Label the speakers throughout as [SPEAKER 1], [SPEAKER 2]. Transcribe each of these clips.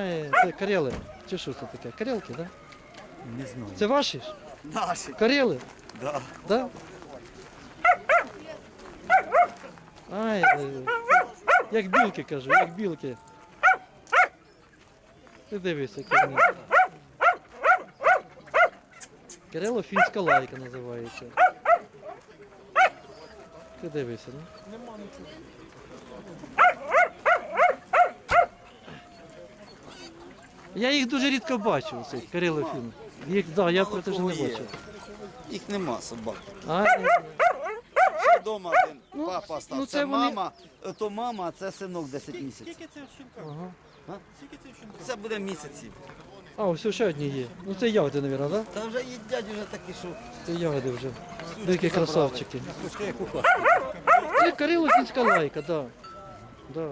[SPEAKER 1] це карели. Чи що це таке? Карелки, так? Да?
[SPEAKER 2] Не знаю.
[SPEAKER 1] Це ваші ж?
[SPEAKER 2] Наші.
[SPEAKER 1] Карели?
[SPEAKER 2] Да.
[SPEAKER 1] Да? Ай, як білки, кажу, як білки. Ти дивись, які вони. Карело-фінська лайка називається. Ти дивися, ну? Нема нічого. Я їх дуже рідко бачу, цих карело-фін. Їх, да, я про те ж не бачу.
[SPEAKER 2] Їх нема собак. Вдома один папа став.
[SPEAKER 1] ну
[SPEAKER 2] це
[SPEAKER 1] це вони-
[SPEAKER 2] мама, то мама, а це синок 10 місяців.
[SPEAKER 3] Скільки це в щенках?
[SPEAKER 1] Ага.
[SPEAKER 3] Скільки це в щенках?
[SPEAKER 2] Це буде місяців.
[SPEAKER 1] А, ось ще одні є. Ну це ягоди, мабуть, так?
[SPEAKER 2] Та вже їдять вже такі, що
[SPEAKER 1] Це ягоди вже. Дикі красавчики. Це карело-фінська лайка, так. Да.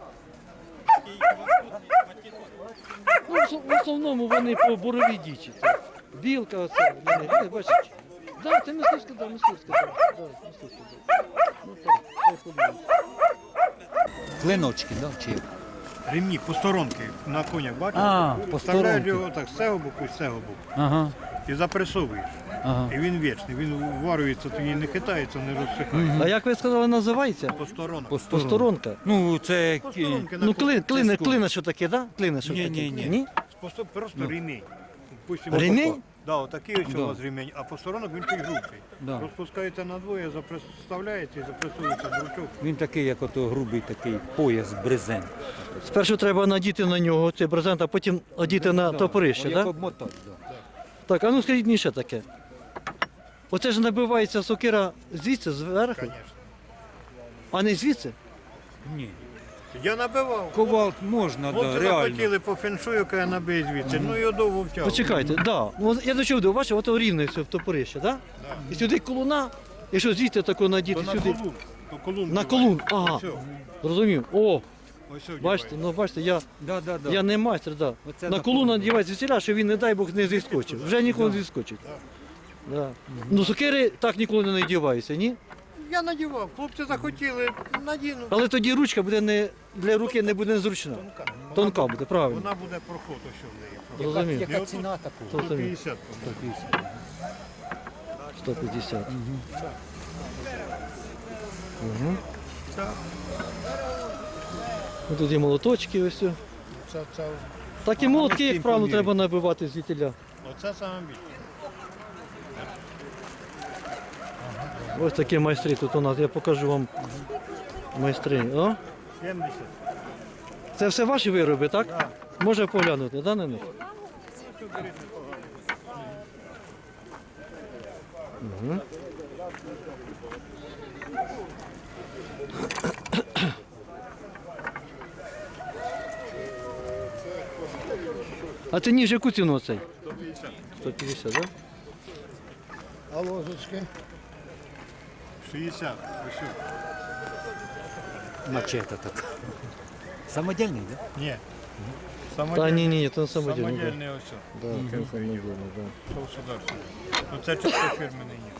[SPEAKER 1] Ну, в основному вони по боровій дічі. Це білка оце, вони, бачиш? Да, це мисливська, да, мисливська, да, мисливська, да. Ну так, хай ходить.
[SPEAKER 4] Клиночки, да? Чи як?
[SPEAKER 3] Ремні, посторонки на конях, бачиш?
[SPEAKER 4] А,
[SPEAKER 3] Вставляєш
[SPEAKER 4] посторонки.
[SPEAKER 3] його так з цього боку і з цього боку.
[SPEAKER 4] Ага,
[SPEAKER 3] І запресовуєш.
[SPEAKER 4] ага.
[SPEAKER 3] І він вічний, він варюється, тоді не хитається, не розсихає.
[SPEAKER 1] А як ви сказали, називається?
[SPEAKER 3] Посторонок.
[SPEAKER 1] Посторонка.
[SPEAKER 4] Ну, це...
[SPEAKER 3] Посторонки на
[SPEAKER 1] Ну,
[SPEAKER 3] конях.
[SPEAKER 1] клина що таке, да? Клина що таке?
[SPEAKER 4] Ні.
[SPEAKER 3] Просто ремінь. Допустим,
[SPEAKER 1] Ремінь?
[SPEAKER 3] отако. Да, отакий ось
[SPEAKER 4] Да.
[SPEAKER 3] у вас ремінь, а посторонок він той грубший.
[SPEAKER 4] Да.
[SPEAKER 3] Розпускаєте надвоє, вставляєте і запресується дручок.
[SPEAKER 4] Він такий, як ото грубий такий пояс брезент.
[SPEAKER 1] Спершу треба надіти на нього цей брезент, а потім одіти на топорище,
[SPEAKER 4] Як
[SPEAKER 1] так?
[SPEAKER 4] обмотати, да.
[SPEAKER 1] Так, а ну скажіть мені ще таке. Оце ж набивається сокира звідси, зверху,
[SPEAKER 3] Звісно.
[SPEAKER 1] а не звідси?
[SPEAKER 4] Ні.
[SPEAKER 3] Я набивав.
[SPEAKER 4] Ковалт можна, да,
[SPEAKER 3] Хлопці
[SPEAKER 4] реально.
[SPEAKER 3] захотіли по феншую, каже, набий звідси. Ну його довго втягував.
[SPEAKER 1] Почекайте, да. Ну, от я до чого, бачив, ото рівне все в топорище, так? І сюди колуна, якщо звідти тако надіти
[SPEAKER 3] То на
[SPEAKER 1] сюди.
[SPEAKER 3] колун. То колун.
[SPEAKER 1] На колун, ага.
[SPEAKER 3] Все.
[SPEAKER 1] Зрозумів. О,
[SPEAKER 3] Ось сьогодні
[SPEAKER 1] бачите, ну бачите, я
[SPEAKER 4] Да.
[SPEAKER 1] не майстер, да.
[SPEAKER 4] Оце
[SPEAKER 1] На
[SPEAKER 4] на
[SPEAKER 1] колун
[SPEAKER 4] колун.
[SPEAKER 1] надівається звідсіля, щоб він, не дай Бог, не зіскочив. Вже ніколи не зіскочить. Да. Ну, сокири так ніколи не надіваються, ні?
[SPEAKER 3] Я надівав. Хлопці захотіли, надіну.
[SPEAKER 1] Але тоді ручка буде не, для руки не буде незручна. Тонка буде, правильно.
[SPEAKER 3] Вона буде проход, ось що в неї.
[SPEAKER 1] Зрозумів.
[SPEAKER 4] Яка ціна такого?
[SPEAKER 3] 150.
[SPEAKER 1] 150.
[SPEAKER 3] Це,
[SPEAKER 1] Ну, тут є молоточки ось. Все.
[SPEAKER 3] це,
[SPEAKER 1] Так і молотки, як правило, треба набивати звідтіля.
[SPEAKER 3] оце саме більше.
[SPEAKER 1] Ось такі майстри тут у нас, я покажу вам майстри. О,
[SPEAKER 3] 70.
[SPEAKER 1] це все ваші вироби, так? Може поглянути, да, на них? Угу. А це ніж яку ціну цей?
[SPEAKER 3] 150.
[SPEAKER 1] 150, так?
[SPEAKER 3] А ложечки? 60. Ось що.
[SPEAKER 4] Мачете така. Самодільний, да?
[SPEAKER 3] Ні.
[SPEAKER 1] Та ні, то самодільний. Да.
[SPEAKER 3] Самодільний ось що.
[SPEAKER 1] Да, це самодільний, да.
[SPEAKER 3] Що сюди все. Ну це чисто фірменний ніж.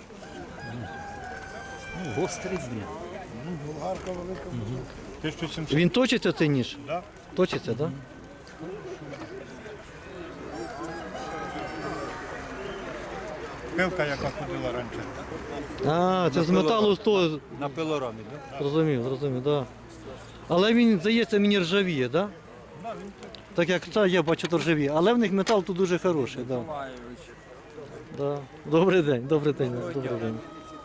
[SPEAKER 4] Ну, гострий, блін.
[SPEAKER 3] Болгарка велика. 1700.
[SPEAKER 1] Він точиться цей ніж?
[SPEAKER 3] Да?
[SPEAKER 1] Точиться, так? Да?
[SPEAKER 3] Пилка, яка ходила раніше.
[SPEAKER 1] А, це з металу то
[SPEAKER 4] На пилорамі, да?
[SPEAKER 1] зрозумів, так. Да. Але він, здається, мені ржавіє, так? Да? Так як та, я бачу, то ржавіє. Але в них метал тут дуже хороший, так. Да. Да. Добрий день, добрий день, добрий день.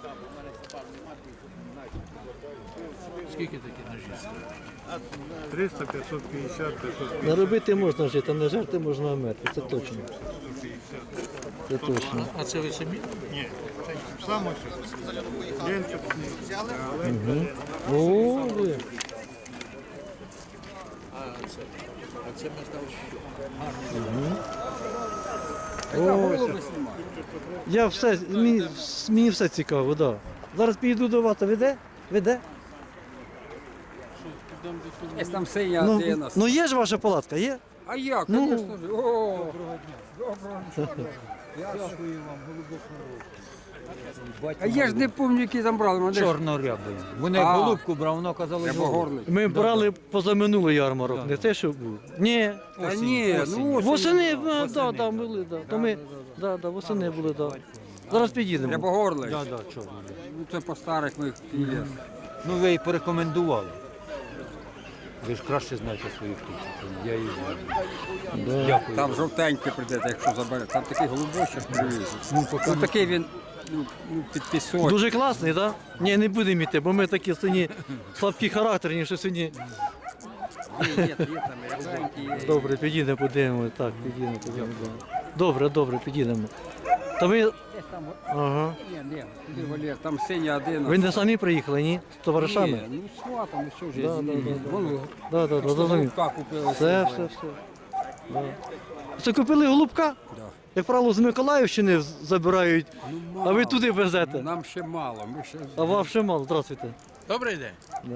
[SPEAKER 4] Скільки такі ножі?
[SPEAKER 3] 300, 550, 550.
[SPEAKER 1] Наробити можна жити, а не жерти можна вмерти, це точно. Це точно.
[SPEAKER 4] А це ви самі?
[SPEAKER 3] Ні, це сам ось. Ленточний.
[SPEAKER 1] О, ви. О, я все, мені все цікаво, так. Да. Зараз підійду до вас, а веде? Веде?
[SPEAKER 5] Є там синя
[SPEAKER 1] Ну,
[SPEAKER 5] антенна.
[SPEAKER 1] ну є ж ваша палатка, є?
[SPEAKER 5] А як,
[SPEAKER 1] ну.
[SPEAKER 5] звісно ж. О, доброго дня. Дякую вам, голубок А я ж не пам'ятаю, які там брали. Вони ж
[SPEAKER 4] Чорнорябий. Вони
[SPEAKER 5] А.
[SPEAKER 4] голубку брав, воно казалось голуб.
[SPEAKER 5] рябогорлик.
[SPEAKER 1] Ми брали позаминулий ярмарок, не те, що був. Ні,
[SPEAKER 5] Та ні, ну ось
[SPEAKER 1] восени, да, були, да. То ми, да, восени були, да. Зараз підійдемо.
[SPEAKER 5] рябогорлик.
[SPEAKER 4] Да, чорний.
[SPEAKER 5] Ну це по старих моїх є.
[SPEAKER 4] Ну ви її порекомендували. Ви ж краще знаєте свої птиці. Я її знаю. Дякую.
[SPEAKER 5] Там жовтенький прийдете, якщо заберете. Там такий голубочок привіз. Ну такий він під пісок.
[SPEAKER 1] Дуже класний, так? Да? Ні, не будемо йти, бо ми такі сьогодні слабкі характерні, що сьогодні.
[SPEAKER 5] Є там рябенький, є.
[SPEAKER 1] Добре, підійдемо, подивимо. Так, підійдемо. Да. Добре, підійдемо. То ви.
[SPEAKER 5] Десь там,
[SPEAKER 1] Ага.
[SPEAKER 5] ні, туди Валер, там синя один.
[SPEAKER 1] Ви не самі приїхали, ні? З товаришами?
[SPEAKER 5] Ні, ну сватом, що ж
[SPEAKER 1] Да,
[SPEAKER 5] я
[SPEAKER 1] да,
[SPEAKER 5] Вон,
[SPEAKER 1] Да, зрозумів.
[SPEAKER 5] голубка купили.
[SPEAKER 1] Все. Да. Це купили голубка?
[SPEAKER 5] Да.
[SPEAKER 1] Як правило, з Миколаївщини забирають,
[SPEAKER 5] Ну,
[SPEAKER 1] а ви туди везете.
[SPEAKER 5] Нам ще мало, ми ще...
[SPEAKER 1] А вам ще мало, здравствуйте.
[SPEAKER 6] Добрий день.
[SPEAKER 1] Да.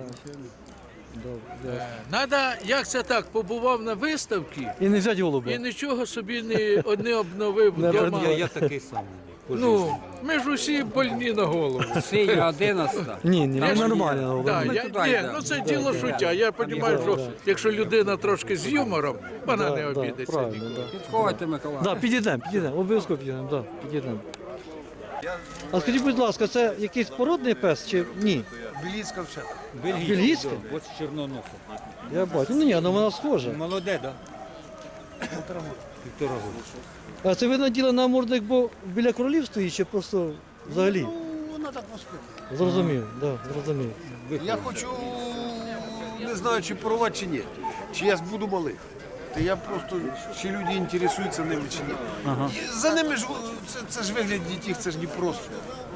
[SPEAKER 1] Добре.
[SPEAKER 6] Надо, як це так, побував на виставці
[SPEAKER 1] І не взяти голуба.
[SPEAKER 6] і нічого собі не обновив
[SPEAKER 1] Не
[SPEAKER 6] вдома.
[SPEAKER 4] Я такий самий.
[SPEAKER 6] Ну, ми ж усі больні на голову.
[SPEAKER 5] Синя 11.
[SPEAKER 1] Ні, ви нормально
[SPEAKER 6] Да,
[SPEAKER 1] голуба.
[SPEAKER 6] я,
[SPEAKER 5] туди
[SPEAKER 6] ні,
[SPEAKER 5] йдемо.
[SPEAKER 6] ну це діло шуття. Я розумію, що якщо людина трошки з юмором, вона не обідеться.
[SPEAKER 1] Правильно,
[SPEAKER 6] ніколи.
[SPEAKER 1] да.
[SPEAKER 5] Підходьте, Миколай.
[SPEAKER 1] Да, підійдемо, обов'язково підійдемо, да, підійдемо. А скажіть, будь ласка, це якийсь породний пес чи ні?
[SPEAKER 3] Бельгійська вчета.
[SPEAKER 1] Бельгійська?
[SPEAKER 4] Ось чорноноса.
[SPEAKER 1] Я бачу. Ну ні, ну вона схожа.
[SPEAKER 4] Молоде, так? Півтора року.
[SPEAKER 1] А це ви наділи намордник, бо біля кролів стоїть, чи просто взагалі?
[SPEAKER 3] Ну, вона так воспитує.
[SPEAKER 1] Зрозумів, да, зрозумів.
[SPEAKER 3] Я хочу, не знаю, чи порвати, чи ні. Чи я буду малих. Та я просто, чи люди інтересуються ними, чи ні. І за ними ж, це ж вигляд дітей, це ж не просто.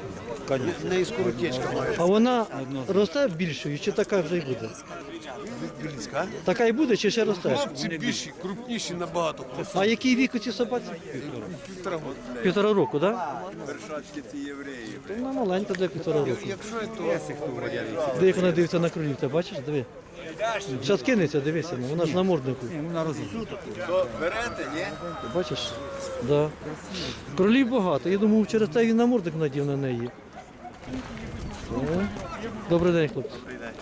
[SPEAKER 3] В неї скоротечка має.
[SPEAKER 1] А вона росте більшою, чи така вже й буде?
[SPEAKER 3] Бельгійська,
[SPEAKER 1] Така і буде, чи ще росте?
[SPEAKER 3] хлопці більші, крупніші набагато.
[SPEAKER 1] А який вік у цій собаці?
[SPEAKER 3] Півтора року.
[SPEAKER 1] 1,5 року, так? Да? То вона маленька для 1,5 року.
[SPEAKER 3] Якщо то
[SPEAKER 1] Де як вона дивиться на кролів, ти бачиш? Диви. Зараз кинеться, дивися, ну, вона ж на морднику.
[SPEAKER 3] берете, ні?
[SPEAKER 1] Ти бачиш? Да. Кролів багато. Я думав, через те він намордник надів на неї. О. Добрий день, хлопці.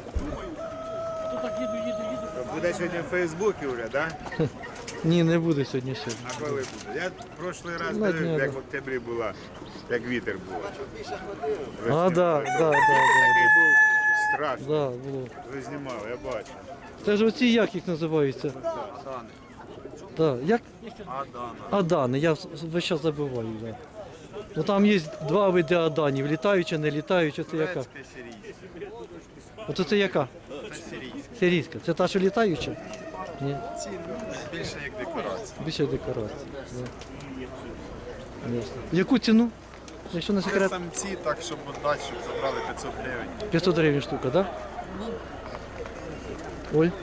[SPEAKER 7] Буде сьогодні в Фейсбуці вже, так?
[SPEAKER 1] Ні, не буде сьогодні ще.
[SPEAKER 7] А коли буде? Я прошлий раз
[SPEAKER 1] На дня,
[SPEAKER 7] дивився, як
[SPEAKER 1] да.
[SPEAKER 7] в октябрі була, як вітер був.
[SPEAKER 1] А, да.
[SPEAKER 7] Такий був страшний.
[SPEAKER 1] Да, було.
[SPEAKER 7] Ви знімали, я бачу.
[SPEAKER 1] Це ж оці як їх називаються? Да. Як? Адани. Я весь час забуваю. Да. Ну, там є два види аданів, літаюча, не літаюча. Це яка? Оце це яка? Сирійська. Це та, що літаюча? Ні.
[SPEAKER 7] Більше як декорація.
[SPEAKER 1] Більше декорацій. Да. Ясно. Яку ціну? Якщо не секрет,
[SPEAKER 7] Самці, так, щоб віддати, щоб забрали 500 гривень.
[SPEAKER 1] 500 гривень штука, так? Да? Оль?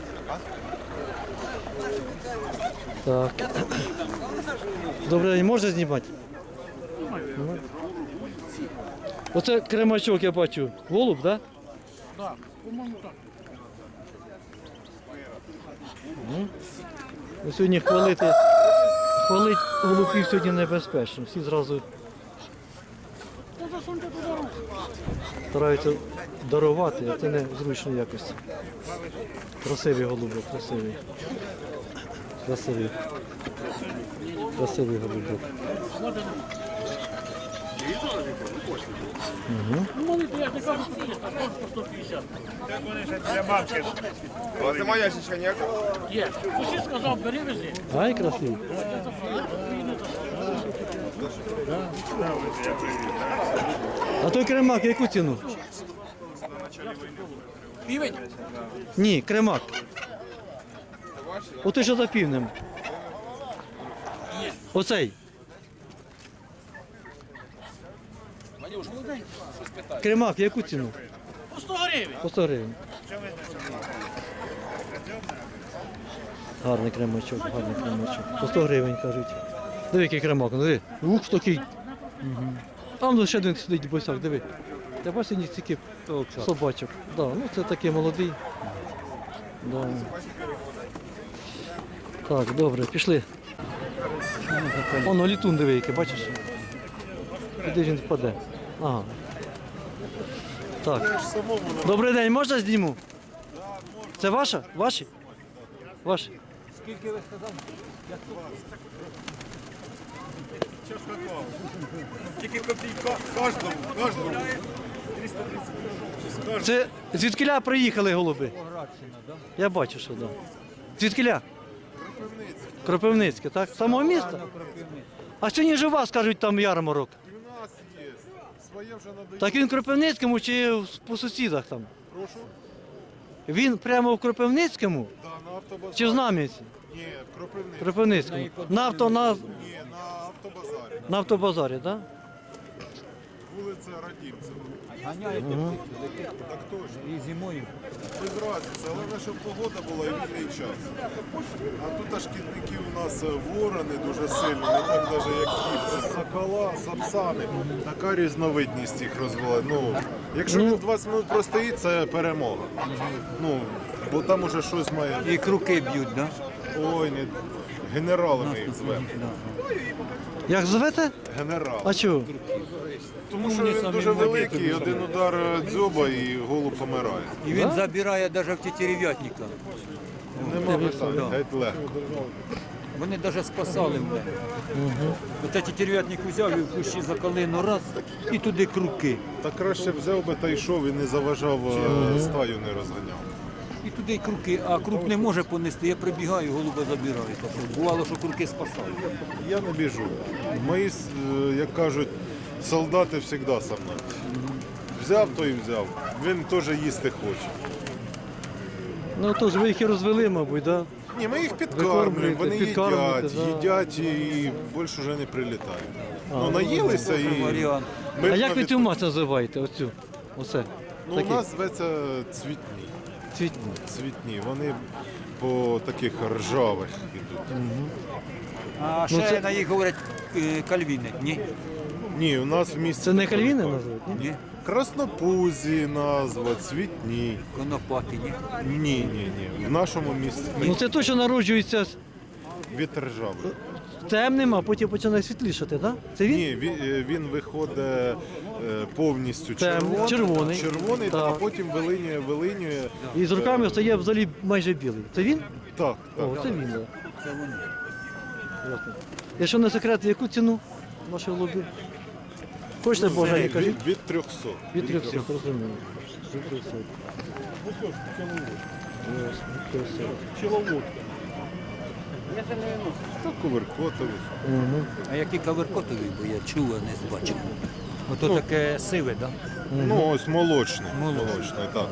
[SPEAKER 1] Так. Добре, можна знімати? Ну. Оце кремачок, я бачу. Голуб, так? Да? Так, по-моєму так. Сьогодні хвалити голубів сьогодні небезпечно. Всі зразу стараються дарувати, а це не зручно якось. Красивий голубок, красивий. Красивий голубок.
[SPEAKER 7] У вас немає ящичка ніякого?
[SPEAKER 1] Ай, красивий. А той кремак, яку ціну?
[SPEAKER 6] Півень?
[SPEAKER 1] Ні, кремак. Отой, що за півнем. Оцей. Кремак, яку ціну?
[SPEAKER 6] По 100 гривень.
[SPEAKER 1] По 100 гривень. Гарний кремачок, гарний кремачок. По 100 гривень, кажуть. Диви, який кремак, ну диви. Ух, такий. Там ще один сидить босяк, диви. Ти бачиш, ні стільки собачок. Да, ну це такий молодий. Да. Так, добре, пішли. Воно літун диви, який, бачиш? Куди він впаде? Ага. Так. Добрий день, можна зніму? Це ваша? Ваші? Ваші?
[SPEAKER 7] Тільки копійка кожному.
[SPEAKER 1] Це звідкиля приїхали голуби? Я бачу, що так. Звідкиля? Кропивницьке, так? З самого міста? А сьогодні ж у вас, кажуть, там ярмарок.
[SPEAKER 7] І в нас є. Своє вже надає.
[SPEAKER 1] Так він в Кропивницькому чи по сусідах там?
[SPEAKER 7] Прошу?
[SPEAKER 1] Він прямо в Кропивницькому
[SPEAKER 7] Да, на автобазарі.
[SPEAKER 1] чи в Знам'янці?
[SPEAKER 7] Ні, в Кропивниці.
[SPEAKER 1] Кропивницькому.
[SPEAKER 7] Ні, на автобазарі.
[SPEAKER 1] На автобазарі, так?
[SPEAKER 7] Вулиця Радімцева.
[SPEAKER 4] Ганяєте
[SPEAKER 7] Так точно.
[SPEAKER 4] і зимою.
[SPEAKER 7] Без разниці, але щоб погода була і вільний час. А тут аж шкідники у нас ворони дуже сильні, не так навіть як кіпці, сокола, сапсани. Така різновидність їх розвела. Ну, якщо він 20 минут простоїть, це перемога. Ну, бо там уже щось має.
[SPEAKER 4] І круки б'ють, да?
[SPEAKER 7] Ой, не генерали ми їх звемо.
[SPEAKER 1] Як звете?
[SPEAKER 7] Генерал.
[SPEAKER 1] А чого?
[SPEAKER 7] Тому що він дуже великий, один удар дзьоба і голуб помирає.
[SPEAKER 4] І він забирає навіть в тетерев'ятника.
[SPEAKER 7] Нема питань, геть легко.
[SPEAKER 4] Вони навіть спасали мене. Оце тетерев'ятник взяв і в кущі за калину раз, і туди круки.
[SPEAKER 7] Та краще взяв би та йшов і не заважав, стаю не розганяв.
[SPEAKER 4] І туди круки, а крук не може понести. Я прибігаю, голуба забираю. Так що бувало, що круки спасали.
[SPEAKER 7] Я не біжу. Мої, як кажуть, солдати завжди со мною. Взяв, то і взяв. Він теж їсти хоче.
[SPEAKER 1] Ну то ж ви їх і розвели, мабуть, так?
[SPEAKER 7] Ні, ми їх підкармлюємо, вони
[SPEAKER 1] підкармлюєте,
[SPEAKER 7] їдять і більше вже не прилітають. Ну, наїлися і...
[SPEAKER 4] Варіант.
[SPEAKER 7] Ми
[SPEAKER 1] А як ви
[SPEAKER 7] навіть-
[SPEAKER 1] цю мать називаєте? Оцю? Оце?
[SPEAKER 7] Ну, у
[SPEAKER 1] Такі?
[SPEAKER 7] нас зветься цвітні.
[SPEAKER 1] Цвітні.
[SPEAKER 7] Цвітні. Вони по таких ржавих ідуть.
[SPEAKER 4] А ще на їх говорять кальвіни. Ні?
[SPEAKER 7] Ні, у нас в місті...
[SPEAKER 1] Це не
[SPEAKER 7] ніхто
[SPEAKER 1] кальвіни
[SPEAKER 7] каже.
[SPEAKER 1] називають? Ні?
[SPEAKER 4] Ні?
[SPEAKER 7] Краснопузі назва, цвітні.
[SPEAKER 4] Конопаті, ні?
[SPEAKER 7] Ні. В нашому місті
[SPEAKER 1] Ну це точно народжується з
[SPEAKER 7] від ржавих.
[SPEAKER 1] темним, а потім починає світлішати, так? Це він?
[SPEAKER 7] Ні, він виходить повністю
[SPEAKER 1] Темний, червоний.
[SPEAKER 7] червоний,
[SPEAKER 1] Так.
[SPEAKER 7] а потім вилинює.
[SPEAKER 1] І з руками стає взагалі майже білий. Це він?
[SPEAKER 7] Так, так.
[SPEAKER 1] О, це він, так.
[SPEAKER 4] Це вони.
[SPEAKER 1] Ясно. Якщо не секрет, яку ціну ваших голубів? Хочете бажання, кажіть?
[SPEAKER 7] Від 300.
[SPEAKER 1] Від 300, розумію. Від 300. Ясно,
[SPEAKER 7] Так, коверкотові.
[SPEAKER 4] А які каверкотові, бо я чув, а не бачив. Ото таке сиве, так?
[SPEAKER 7] Ну, ось молочний. Молочний, так.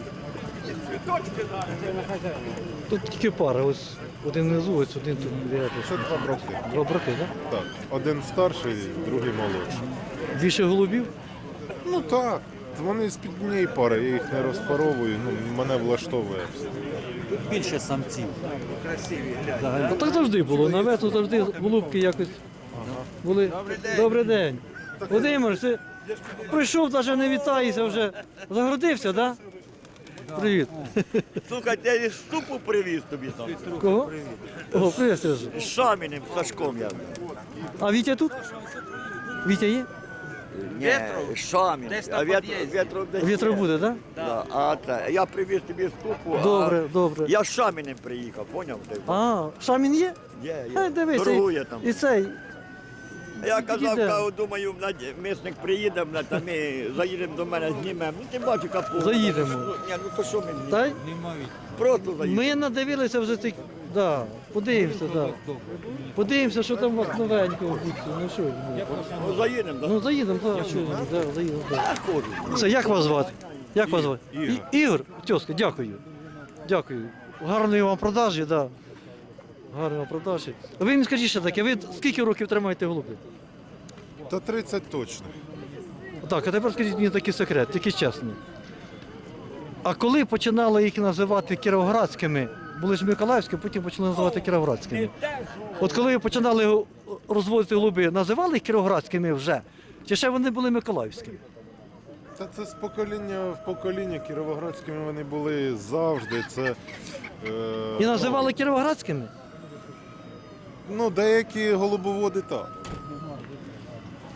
[SPEAKER 1] Тут тільки пара, ось один внизу, ось один тут.
[SPEAKER 7] Це два брати.
[SPEAKER 1] Два брати, так?
[SPEAKER 7] Так. Один старший, другий молодший.
[SPEAKER 1] Більше голубів?
[SPEAKER 7] Ну так. Вони з-під однієї пари, я їх не розпаровую, ну, мене влаштовує все.
[SPEAKER 4] Тут більше самців.
[SPEAKER 1] Ну так завжди було. На вету завжди голубки якось були. Добрий день. Володимир, ти прийшов, навіть не вітаєшся вже. Загородився, так? Привіт.
[SPEAKER 8] Слухайте, я і штуку привіз тобі там.
[SPEAKER 1] Кого? О, привіт, Сережа.
[SPEAKER 8] З Шаміним, Сашком я.
[SPEAKER 1] А Вітя тут? Вітя є?
[SPEAKER 8] Ні, Шамін. А вітро десь
[SPEAKER 1] Вітро
[SPEAKER 8] є.
[SPEAKER 1] буде, так?
[SPEAKER 8] Да. А це, я привіз тобі штуку,
[SPEAKER 1] Добре,
[SPEAKER 8] а
[SPEAKER 1] добре.
[SPEAKER 8] я з Шаміним приїхав, поняв ти?
[SPEAKER 1] А, Шамін є?
[SPEAKER 8] Є.
[SPEAKER 1] Дивись,
[SPEAKER 8] Торгує там.
[SPEAKER 1] і цей.
[SPEAKER 8] Я казав,
[SPEAKER 1] Іде.
[SPEAKER 8] думаю, мисник приїде, та ми заїдемо до мене, знімемо. Ну ти бачиш, капу.
[SPEAKER 1] Заїдемо.
[SPEAKER 8] Ні, ну то що мені?
[SPEAKER 1] Та й
[SPEAKER 8] Просто заїдемо.
[SPEAKER 1] ми надивилися вже цих. Да, подивимося, да. Подивимося, що там у вас новенького буде. Ну що?
[SPEAKER 8] Ну заїдемо, так?
[SPEAKER 1] Ну заїдемо, так, що да, заїдемо. Да.
[SPEAKER 8] Я ходжу.
[SPEAKER 1] Це як вас звати? Як вас звати?
[SPEAKER 7] Ігор.
[SPEAKER 1] Ігор, тьоска, дякую. Дякую. Гарної вам продажі, да. Гарної вам продажі. Ви мені скажіть ще таке, ви скільки років тримаєте голубів?
[SPEAKER 7] Та 30 точно.
[SPEAKER 1] Так, а тепер скажіть мені такий секрет, тільки чесно. А коли починали їх називати кіровоградськими, були ж Миколаївські, потім почали називати кіровоградськими. От коли ви починали розводити голуби, називали їх кіровоградськими вже? Чи ще вони були миколаївськими?
[SPEAKER 7] Та це з покоління в покоління кіровоградськими вони були завжди. Це,
[SPEAKER 1] І називали кіровоградськими?
[SPEAKER 7] ну, деякі голубоводи так.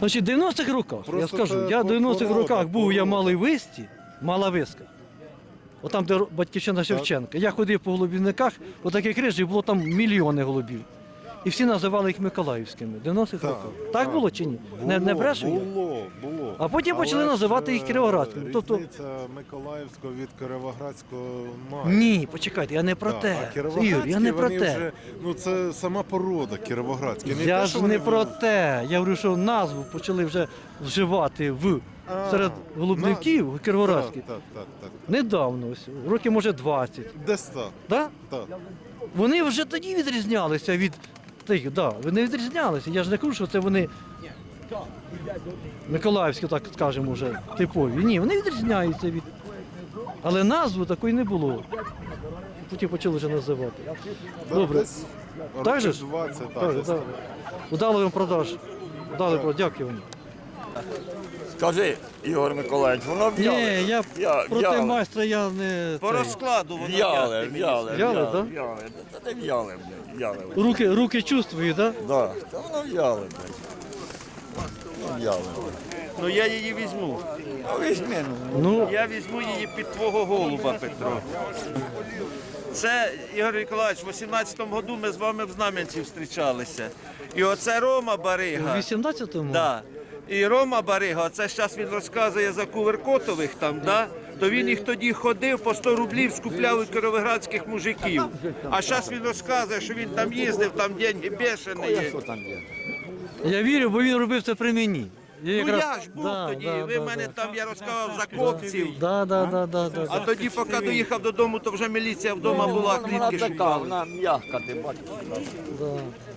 [SPEAKER 1] Значить, в 90-х роках, я
[SPEAKER 7] Просто
[SPEAKER 1] скажу,
[SPEAKER 7] це
[SPEAKER 1] я в 90-х
[SPEAKER 7] порода,
[SPEAKER 1] роках був, я
[SPEAKER 7] порода.
[SPEAKER 1] малий висті, мала виска. Отам, де батьківщина Шевченка. Я ходив по голубівниках, отаких рижих було там мільйони голубів. І всі називали їх Миколаївськими. В 90-х
[SPEAKER 7] Так,
[SPEAKER 1] роках. Так було чи ні? Не брешу я?
[SPEAKER 7] Було.
[SPEAKER 1] А потім почали
[SPEAKER 7] Але
[SPEAKER 1] називати
[SPEAKER 7] ж,
[SPEAKER 1] їх Кіровоградськими. Тобто,
[SPEAKER 7] різниця Миколаївського від Кіровоградського має.
[SPEAKER 1] ні, почекайте, я не про
[SPEAKER 7] Так,
[SPEAKER 1] те.
[SPEAKER 7] а кіровоградські,
[SPEAKER 1] Ігор, я не про
[SPEAKER 7] вони
[SPEAKER 1] те.
[SPEAKER 7] Вже, ну це сама порода кіровоградська. Не
[SPEAKER 1] Я
[SPEAKER 7] те,
[SPEAKER 1] ж
[SPEAKER 7] що
[SPEAKER 1] не
[SPEAKER 7] вони
[SPEAKER 1] про те. Я говорю, що назву почали вже вживати серед голубників кіровоградських.
[SPEAKER 7] Так.
[SPEAKER 1] Недавно, ось, років може 20.
[SPEAKER 7] Десь так.
[SPEAKER 1] Да?
[SPEAKER 7] Так.
[SPEAKER 1] Вони вже тоді відрізнялися від тих, да, вони відрізнялися. Я ж не кажу, що це вони Миколаївські, так скажемо, вже типові. Ні, вони відрізняються від. Але назви такої не було. Потім почали вже називати.
[SPEAKER 7] Да,
[SPEAKER 1] Добре.
[SPEAKER 7] десь
[SPEAKER 1] Так же
[SPEAKER 7] років
[SPEAKER 1] ж?
[SPEAKER 7] 20,
[SPEAKER 1] Так,
[SPEAKER 7] десь
[SPEAKER 1] так.
[SPEAKER 7] так.
[SPEAKER 1] Удали вам продаж. Удали продаж. Дякую вам.
[SPEAKER 8] Скажи, Ігор Миколаївич, воно
[SPEAKER 1] Ні,
[SPEAKER 8] в'яле.
[SPEAKER 1] я проти
[SPEAKER 8] в'яле.
[SPEAKER 1] майстра я не.
[SPEAKER 2] По
[SPEAKER 1] цей.
[SPEAKER 2] розкладу воно
[SPEAKER 8] В'яле,
[SPEAKER 2] в'яле.
[SPEAKER 8] в'яле,
[SPEAKER 1] да?
[SPEAKER 8] в'яле. Та не в'яле, блядь, в'яле.
[SPEAKER 1] Руки чувствую, так?
[SPEAKER 8] Да, та воно в'яле, блядь. В'яле.
[SPEAKER 2] Ну я її візьму.
[SPEAKER 8] Ну, візьми, ну.
[SPEAKER 1] Ну,
[SPEAKER 2] Я візьму її під твого голуба, Петро. Це, Ігор Ніколаївич, в 18-му году ми з вами в Знам'янці зустрічалися. І оце Рома
[SPEAKER 1] у
[SPEAKER 2] Барига.
[SPEAKER 1] 18-му?
[SPEAKER 2] Да. І Рома Барига, це зараз він розказує за Куверкотових там, да? То він їх тоді ходив, по 100 рублів скупляв у кіровоградських мужиків. А зараз він розказує, що він там їздив, там деньги бешені є.
[SPEAKER 1] Я вірю, бо він робив це при мені.
[SPEAKER 2] Ну я ж був
[SPEAKER 1] Да,
[SPEAKER 2] тоді,
[SPEAKER 1] да,
[SPEAKER 2] ви
[SPEAKER 1] да,
[SPEAKER 2] мене
[SPEAKER 1] да.
[SPEAKER 2] там, я розказав за копців.
[SPEAKER 1] Да.
[SPEAKER 2] А тоді, поки доїхав додому, то вже міліція вдома була,
[SPEAKER 8] Вона
[SPEAKER 2] клітки
[SPEAKER 8] така,
[SPEAKER 2] шукали.
[SPEAKER 8] вона м'яка, ти бачиш.
[SPEAKER 1] Да.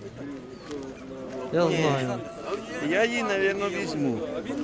[SPEAKER 1] Я знаю.
[SPEAKER 2] Я її, мабуть, візьму.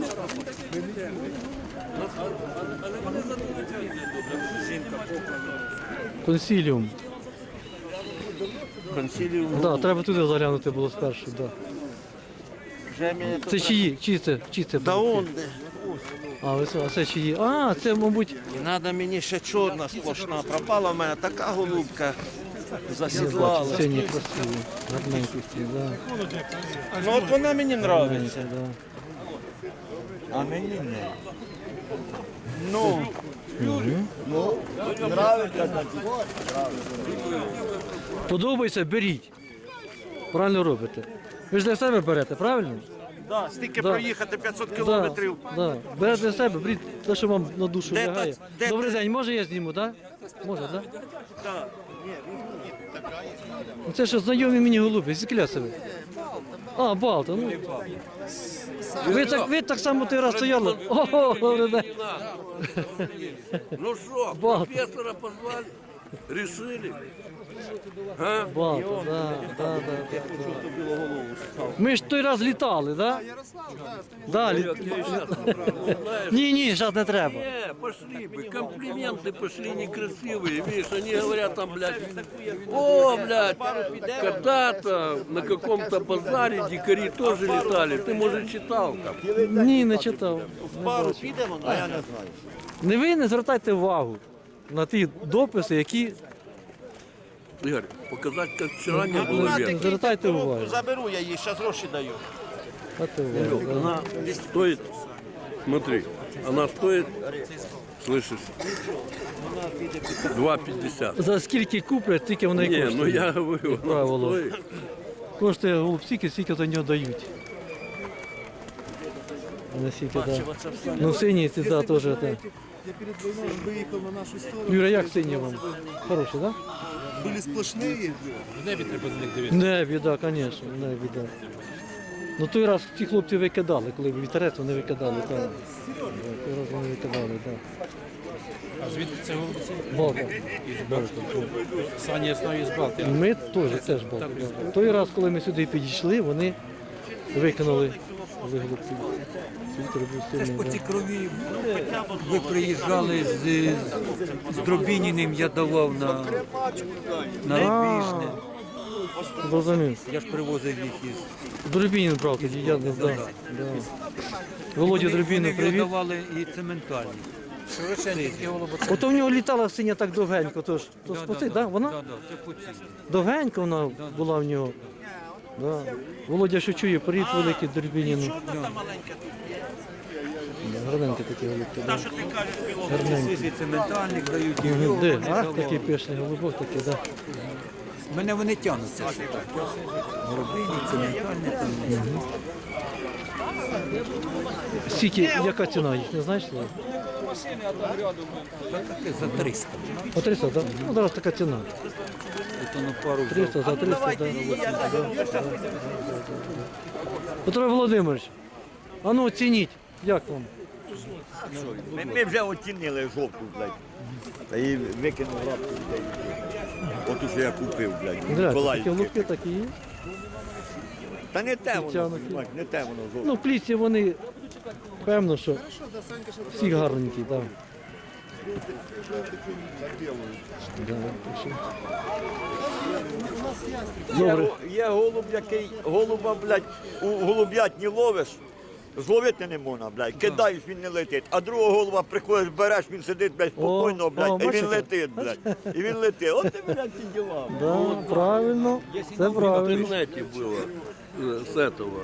[SPEAKER 1] Консіліум.
[SPEAKER 2] Консиліум.
[SPEAKER 1] Да, треба туди заглянути було спершу. Да.
[SPEAKER 2] Вже мені
[SPEAKER 1] Це чиї? Чиї це?
[SPEAKER 2] Та
[SPEAKER 1] були?
[SPEAKER 2] он де.
[SPEAKER 1] А це чиї? А, це, мабуть,
[SPEAKER 2] І треба мені ще чорна сплошна. Пропала в мене така голубка.
[SPEAKER 1] бачу,
[SPEAKER 2] Засідлала.
[SPEAKER 1] сині красиві. Гарненькі всі, да.
[SPEAKER 2] Ну от вона мені подобається.
[SPEAKER 1] Гарненькі, да.
[SPEAKER 8] А мені не.
[SPEAKER 2] Ну,
[SPEAKER 8] Нравиться, значить.
[SPEAKER 1] Подобається, беріть. Правильно робите. Ви ж для себе берете, правильно?
[SPEAKER 2] да, стільки
[SPEAKER 1] Да.
[SPEAKER 2] проїхати 500 кілометрів.
[SPEAKER 1] Да. Берете для себе, беріть те, що вам на душу
[SPEAKER 2] Де
[SPEAKER 1] лягає.
[SPEAKER 2] та- де
[SPEAKER 1] Добрий
[SPEAKER 2] та-
[SPEAKER 1] день, може я зніму, так? Да? Може, так? Да?
[SPEAKER 2] Да.
[SPEAKER 1] Ну, це що знайомі мені голуби, з Клясови. А, Балта, ну. Ви так само той раз стояли. Ого, добрий день.
[SPEAKER 9] Ну что,
[SPEAKER 1] Балта.
[SPEAKER 9] профессора позвали, решили.
[SPEAKER 1] Балта, да. Ми ж той раз літали, так? Да, Ні, зараз не треба.
[SPEAKER 9] Не, пошли бы, комплименты пошли некрасивые, видишь, они говорят там, блядь, о, блядь, когда-то на каком-то базаре дикари тоже летали, ты, может, читал там?
[SPEAKER 1] Ні, не читав. Не
[SPEAKER 2] Пару
[SPEAKER 1] бачив.
[SPEAKER 2] підемо, а я не знаю.
[SPEAKER 1] Не ви не звертайте увагу на ті дописи, які
[SPEAKER 9] Игорь, показать, как вчера не было
[SPEAKER 1] Ну,
[SPEAKER 9] вверх.
[SPEAKER 1] звертайте увагу.
[SPEAKER 2] Заберу я її, зараз гроші даю.
[SPEAKER 1] Звертайте увагу, да.
[SPEAKER 9] Она стоит, смотри, она стоит, слышишь, 2,50.
[SPEAKER 1] За скільки куплять, тільки вона і
[SPEAKER 9] Не,
[SPEAKER 1] коштує.
[SPEAKER 9] ну я говорю, она
[SPEAKER 1] Правило.
[SPEAKER 9] стоит.
[SPEAKER 1] Коштує голуб стільки, скільки за нього дають. Не стільки, да. Ну сині ці, да, теж. Да.
[SPEAKER 10] Я перед войной выехал на нашу сторону.
[SPEAKER 1] Юра, як сині вам? Хороші, так? Да?
[SPEAKER 10] Были сплошные.
[SPEAKER 1] В небі, так, звісно, в небі, так. Ну той раз ті хлопці викидали, коли вітерець вони викидали, так. Да, той раз вони викидали, так.
[SPEAKER 4] А звідки це голубці?
[SPEAKER 1] Балка.
[SPEAKER 4] Саня Яснові з Балти.
[SPEAKER 1] Ми теж Балка. Да. Той раз, коли ми сюди підійшли, вони викинули голубців. Вітер був сильний,
[SPEAKER 4] По цій
[SPEAKER 1] да.
[SPEAKER 4] крові ви приїжджали з Дробініним, я давав на Рибіжне.
[SPEAKER 1] Зрозумів.
[SPEAKER 4] Я ж привозив їх із
[SPEAKER 1] Дробінін брав тоді, я не знав. Да. Володя Дробіну
[SPEAKER 4] Вони
[SPEAKER 1] привіт.
[SPEAKER 4] віддавали і цементальні.
[SPEAKER 1] Ото в нього літала синя так довгенько, то спаси, да? Вона?
[SPEAKER 4] Да, це по цій.
[SPEAKER 1] Довгенько вона була в нього. Да. Володя що чує, привіт великий Дербініну. Гарненькі такі голубки. Да. Гарненькі.
[SPEAKER 4] Це ментальник дають.
[SPEAKER 1] Мгм. Де? Ах, такий пишний голубок такий, да.
[SPEAKER 4] Мене вони тягнуться. Що так. Горобині, це ментальник.
[SPEAKER 1] Скільки, яка ціна їх, не знаєш? Слава?
[SPEAKER 4] За 300.
[SPEAKER 1] По 300, так? Да? Ну, зараз така ціна.
[SPEAKER 4] Це на пару.
[SPEAKER 1] 300, за 300, да. Петро Володимирович, а ну оцініть, як вам?
[SPEAKER 8] Ми вже оцінили жовту, блядь. Та її викинув лапку, блядь. От уже я купив, блядь.
[SPEAKER 1] Дивіться, такі
[SPEAKER 8] Миколаївське.
[SPEAKER 1] голубки такі є.
[SPEAKER 8] Та не те воно,
[SPEAKER 1] Тягнуті.
[SPEAKER 8] знімати, не те воно жовте.
[SPEAKER 1] Ну, в плісі вони, певно, що всі гарненькі, так. Да, так що. Добре.
[SPEAKER 8] Є голуб, який голуба, блядь, у голуб'ятні ловиш, зловити не можна, блядь, кидаєш, він не летить. А другого голуба приходиш, береш, він сидить, блядь, спокійно, блядь, і
[SPEAKER 1] бачите?
[SPEAKER 8] він летить, блядь. І він летить. От ти, блядь, ці діла.
[SPEAKER 1] Да, правильно, це
[SPEAKER 9] В
[SPEAKER 1] правильно.
[SPEAKER 9] интернете было с этого,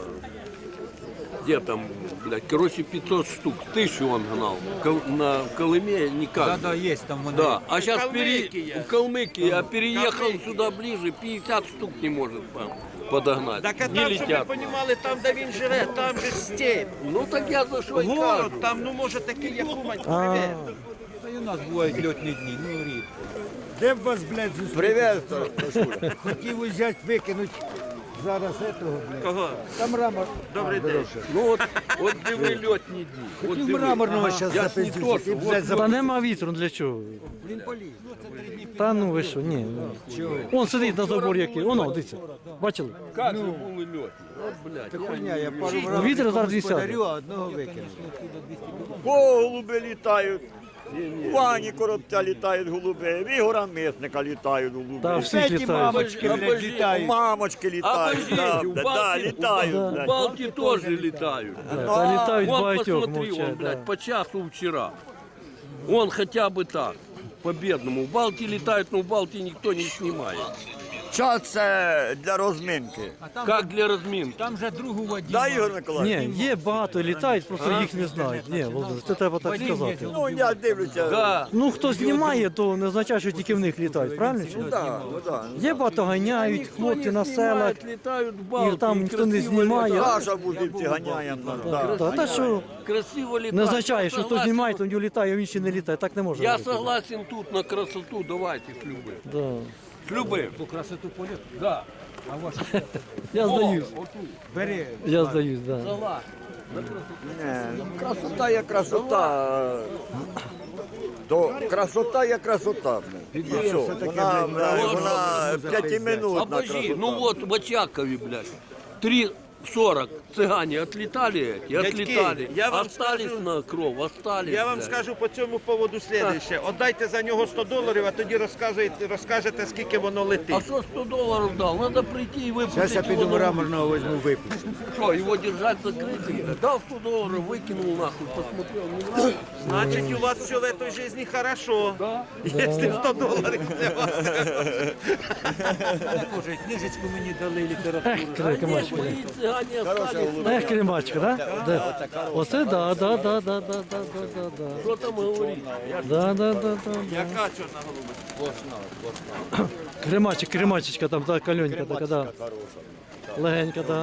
[SPEAKER 9] где там, блядь, короче, 500 штук, 1000 он гнал. На Колыме никак.
[SPEAKER 4] Да, є там вони.
[SPEAKER 9] Да, а сейчас
[SPEAKER 2] Калмыкия.
[SPEAKER 9] в Калмыкии, а переехал сюда ближе, 50 штук не может подогнать.
[SPEAKER 2] Так а
[SPEAKER 9] не
[SPEAKER 2] там, щоб ви
[SPEAKER 9] летят.
[SPEAKER 2] розуміли, там, де він живе, там же степь.
[SPEAKER 9] Ну так я за що й кажу.
[SPEAKER 2] Город, там, ну, може, такий, як Умань,
[SPEAKER 1] А,
[SPEAKER 2] привет.
[SPEAKER 4] Та й у нас бувають льотні дні, ну рідко.
[SPEAKER 10] Де б вас, блядь, зустріти?
[SPEAKER 8] Привет,
[SPEAKER 10] Хотів взяти, викинути зараз этого, блядь.
[SPEAKER 2] Кого?
[SPEAKER 10] Там мрамор.
[SPEAKER 2] Добрий день.
[SPEAKER 9] Ну от диви льотні дні. От
[SPEAKER 10] Хотів
[SPEAKER 9] диви.
[SPEAKER 10] мраморного зараз
[SPEAKER 9] Я ж не то,
[SPEAKER 10] запиздити.
[SPEAKER 9] що,
[SPEAKER 10] І, блядь,
[SPEAKER 1] та нема вітру, для чого?
[SPEAKER 10] Він поліз.
[SPEAKER 1] Та ну ви що, ні. Он сидить на заборі який, воно, дивіться. Бачили?
[SPEAKER 9] Как же були льотні? От, блядь.
[SPEAKER 10] Хуйня, я пару
[SPEAKER 1] Ну, вітер зараз і сяде.
[SPEAKER 10] подарю, а одного викину.
[SPEAKER 8] голуби літають. У Вані Коробця літають голуби, в Ігора Мисника літають голуби.
[SPEAKER 1] Та всіх літають.
[SPEAKER 10] мамочки, блядь,
[SPEAKER 9] Обожди.
[SPEAKER 8] У
[SPEAKER 10] літають.
[SPEAKER 8] мамочки літають, да,
[SPEAKER 9] у
[SPEAKER 8] да,
[SPEAKER 9] Балки,
[SPEAKER 8] літають.
[SPEAKER 9] у
[SPEAKER 8] блядь.
[SPEAKER 9] Балки тоже летают.
[SPEAKER 1] Та літають
[SPEAKER 9] Вон
[SPEAKER 1] багатьох,
[SPEAKER 9] посмотри, он,
[SPEAKER 1] мовчать.
[SPEAKER 9] блядь,
[SPEAKER 1] Да.
[SPEAKER 9] по часу вчера. Он хотя бы так, по-бедному. В Балти летают, но в Балти никто не снимает.
[SPEAKER 8] Час це для розминки.
[SPEAKER 9] Как для разминки.
[SPEAKER 4] Там же другу воді.
[SPEAKER 8] Да, Ігор Миколаївич?
[SPEAKER 1] Ні, є багато літають, просто їх не знають. Ні, Володимир, це треба так сказати.
[SPEAKER 8] Ну, я дивлюся.
[SPEAKER 9] Да.
[SPEAKER 1] Ну, хто знімає, то не означає, що тільки в них літають, правильно? чи ні?
[SPEAKER 8] Да, да.
[SPEAKER 1] Є багато ганяють,
[SPEAKER 9] Никто
[SPEAKER 1] хлопці
[SPEAKER 9] не
[SPEAKER 1] на селах.
[SPEAKER 9] снимает, летают в Балти.
[SPEAKER 1] І там
[SPEAKER 9] и
[SPEAKER 1] ніхто не
[SPEAKER 9] красиво
[SPEAKER 1] знімає.
[SPEAKER 9] летают.
[SPEAKER 8] Наша будівці ганяємо. Да.
[SPEAKER 1] Та, та що
[SPEAKER 9] Красиво летают.
[SPEAKER 1] не означає, що
[SPEAKER 9] Я
[SPEAKER 1] хто
[SPEAKER 9] согласен.
[SPEAKER 1] знімає, то він літає, а він ще не літає. Так не можна.
[SPEAKER 9] Я
[SPEAKER 1] робити.
[SPEAKER 9] согласен тут на красоту, давайте с любым.
[SPEAKER 1] Да.
[SPEAKER 9] С любым.
[SPEAKER 4] По красоту полет.
[SPEAKER 9] Да.
[SPEAKER 4] А ваш
[SPEAKER 1] Я здаюсь,
[SPEAKER 4] бери.
[SPEAKER 1] я здаюсь, да.
[SPEAKER 9] Согласен.
[SPEAKER 8] Ні, красота є красота. То красота є красота. І все. Вона п'ятиминутна
[SPEAKER 9] Обожди,
[SPEAKER 8] красота.
[SPEAKER 9] ну вот в Очакове, блядь, 3:40 цыгане отлетали эти,
[SPEAKER 2] Дядьки,
[SPEAKER 9] отлетали,
[SPEAKER 2] я вам
[SPEAKER 9] остались
[SPEAKER 2] скажу-
[SPEAKER 9] на кров, остались.
[SPEAKER 2] Я вам
[SPEAKER 9] блядь.
[SPEAKER 2] скажу по цьому поводу слідуще. Отдайте за нього $100, а тоді розкажете, скільки воно
[SPEAKER 9] А
[SPEAKER 2] летить.
[SPEAKER 9] что $100 дал? Надо прийти и выпустить
[SPEAKER 10] Зараз я піду
[SPEAKER 9] его на
[SPEAKER 10] мраморного візьму, випущу.
[SPEAKER 9] улицу. Что, его держать закрытым? Дал $100, выкинул нахуй, посмотрел, не нравится.
[SPEAKER 2] Значить, у вас все в этой жизни хорошо. Якщо $100 для вас.
[SPEAKER 4] Боже, книжечку мені дали літературу.
[SPEAKER 1] Кремачка.
[SPEAKER 9] Мои цыгане остались.
[SPEAKER 1] Ех, кремачка, да? Да. Оце да, да, да, да, да, да, да, да.
[SPEAKER 9] Что там говорить?
[SPEAKER 1] Да, да, да, да.
[SPEAKER 2] Яка чорна голубочка?
[SPEAKER 1] Кремачик, кремачечка там, та кальонька така, да. Легенька, да.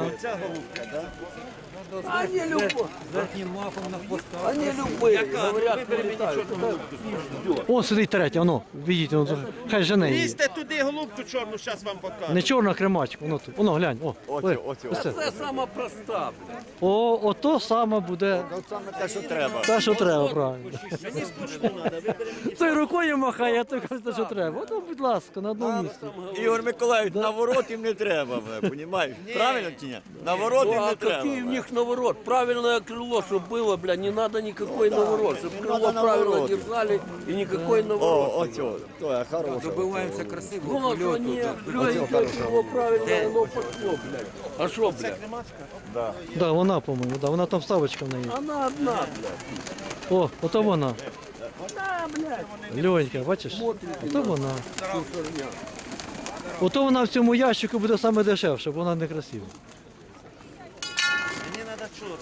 [SPEAKER 9] Они любые.
[SPEAKER 4] Верхнім мафом на хвоста.
[SPEAKER 9] Они любые, говорят, прилетают.
[SPEAKER 1] О, сидить третя, воно, видіть, воно, хай жене її.
[SPEAKER 2] Лізьте туди голубку чорну, зараз вам покажу.
[SPEAKER 1] Не чорна кремачка, воно тут. Воно, глянь, о.
[SPEAKER 8] Оце,
[SPEAKER 1] ось
[SPEAKER 8] оце.
[SPEAKER 1] це.
[SPEAKER 9] Это самая простая.
[SPEAKER 1] О, ото саме буде
[SPEAKER 8] От саме те, що треба.
[SPEAKER 1] те, що треба, правильно. Той рукою махає, а той каже, те, що треба. Ото, будь ласка, на одному місці.
[SPEAKER 8] Ігор Миколаївич, наворот їм не треба, розумієш? Правильно чи ні? Наворот їм
[SPEAKER 9] А
[SPEAKER 8] не
[SPEAKER 9] какие в
[SPEAKER 8] треба.
[SPEAKER 9] них наворот? Правильное крыло, чтобы было, бля, не надо никакой наворот. Чтобы крыло
[SPEAKER 8] надо
[SPEAKER 9] правильно
[SPEAKER 8] наворот.
[SPEAKER 9] держали и никакой
[SPEAKER 8] О,
[SPEAKER 9] наворот.
[SPEAKER 8] оцього, то я хороша.
[SPEAKER 4] Добиваємося красивого
[SPEAKER 9] Вот,
[SPEAKER 4] польоту.
[SPEAKER 9] они, легенькое крыло правильно, оно пошло, блядь. А что, блядь?
[SPEAKER 1] Да, вона, по-моєму, да, вона там ставочка в неї.
[SPEAKER 9] Она одна, блядь.
[SPEAKER 1] О, ото вона.
[SPEAKER 9] Да, блядь.
[SPEAKER 1] Льонька, бачиш? Ото вона. Ото вона в цьому ящику буде саме дешевша, бо вона не красива.
[SPEAKER 2] Мені треба чорна.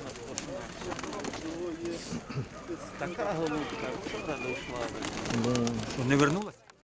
[SPEAKER 2] Така голубка, вчора дійшла.
[SPEAKER 4] Що, не вернулася?